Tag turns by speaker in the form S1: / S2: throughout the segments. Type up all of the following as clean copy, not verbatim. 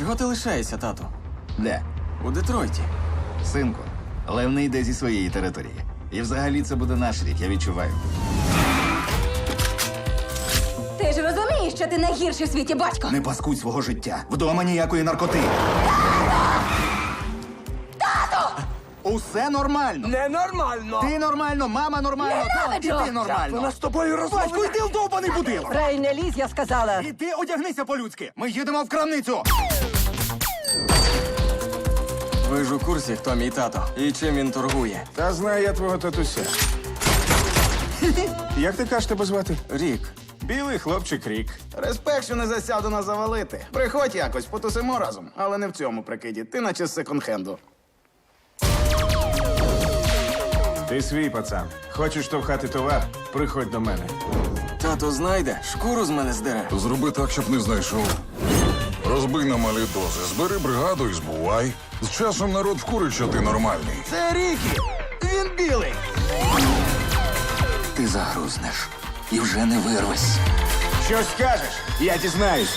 S1: Чого ти лишаєшся, тату?
S2: Де?
S1: У Детройті.
S2: Синку, Лев не йде зі своєї території. І взагалі це буде наш рік, я відчуваю.
S3: Ти ж розумієш, що ти найгірший в світі батько?
S2: Не паскудь свого життя. Вдома ніякої наркоти.
S3: Тату!
S2: Усе нормально.
S4: Ненормально!
S2: Ти нормально, мама нормально,
S3: Ненавиджу!
S2: і ти нормально.
S4: Вона з тобою розмовляє!
S2: Батько, йди в довбаний будинок!
S5: Рей, не лізь, я сказала.
S2: І ти одягнися по-людськи. Ми їдемо в крамницю.
S1: Ви ж у курсі, хто мій тато і чим він торгує.
S4: Та знаю я твого татуся. Як ти кажеш тебе звати?
S1: Рік.
S4: Білий хлопчик Рік.
S2: Респект, що не засяду нас завалити. Приходь якось, потусимо разом. Але не в цьому прикиді. Ти наче з секонд-хенду.
S4: Ти свій пацан. Хочеш штовхати товар? Приходь до мене.
S1: Тато знайде, шкуру з мене здере.
S6: Зроби так, щоб не знайшов. Розбий на малі дози, збери бригаду і збувай. З часом народ вкурить, що ти нормальний.
S2: Це Рікі! Він білий! Ти загрузнеш і вже не вирвись.
S4: Щось скажеш? Я дізнаюсь.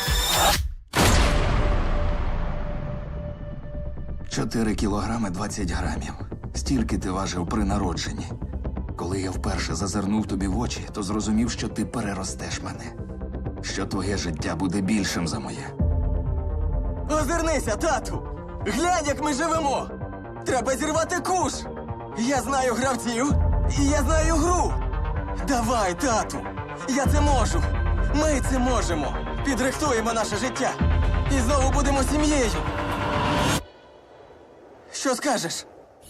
S2: 4 кілограми 20 грамів. Стільки ти важив при народженні. Коли я вперше зазирнув тобі в очі, то зрозумів, що ти переростеш мене. Що твоє життя буде більшим за моє.
S1: Озирнися, тату! Глянь, як ми живемо! Треба зірвати куш! Я знаю гравців, і я знаю гру! Давай, тату! Я це можу! Ми це можемо! Підрихтуємо наше життя! І знову будемо сім'єю! Що скажеш?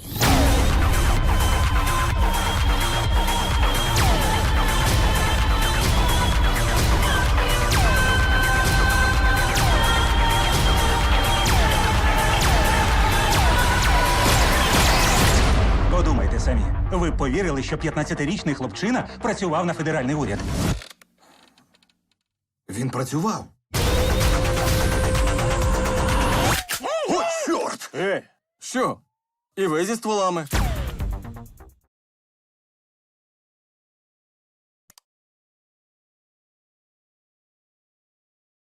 S7: Подумайте самі. Ви б повірили, що 15-річний хлопчина працював на федеральний уряд.
S2: Він працював. О, чорт!
S1: Що? І ви зі стволами?